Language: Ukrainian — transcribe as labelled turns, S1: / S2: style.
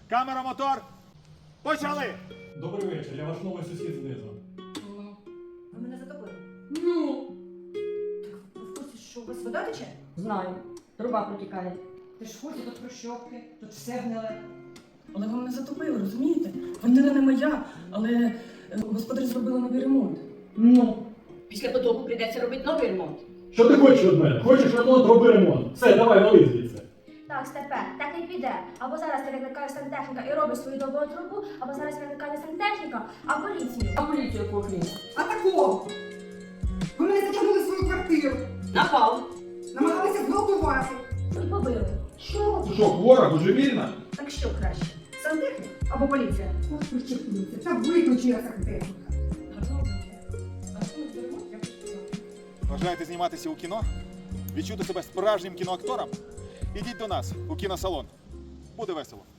S1: Камера, мотор. Почали!
S2: Добрий вечір, я ваш новий сусід знизу.
S3: Ви мене затопили.
S4: Ну,
S3: Так, ви в курсі, що у вас вода тече?
S4: знаю. Труба протікає.
S3: Ти ж в курсі, тут прощопки, тут все гниле. Але ви мене затопили, розумієте? Квартира не моя, але господарі зробили новий ремонт.
S4: Ну, після потоку прийдеться робити новий ремонт.
S2: Що ти хочеш від мене? Хочеш ремонт, роби ремонт. Все, давай, вали звідси.
S5: Так, Степе, так і піде. Або зараз ти викликає сантехніка і робить свою довгу трубу, або зараз викликає не сантехніка, а поліцію.
S4: А поліцію кухні?
S6: А такого? Ви мене затягнули в свою квартиру,
S4: Напав.
S6: намагалися зґвалтувати.
S5: І побили.
S6: Що?
S1: Ти що, хвора, божевільна?
S3: Так що краще? Сантехнік або поліція?
S6: Ось причепилися. Та виключила сантехніка.
S3: Гарного дня. А що новий ремонт, я хочу сказати.
S1: Бажаєте зніматися у кіно? Відчути себе справжнім кіноактором? Ідіть до нас у кіносалон. Буде весело.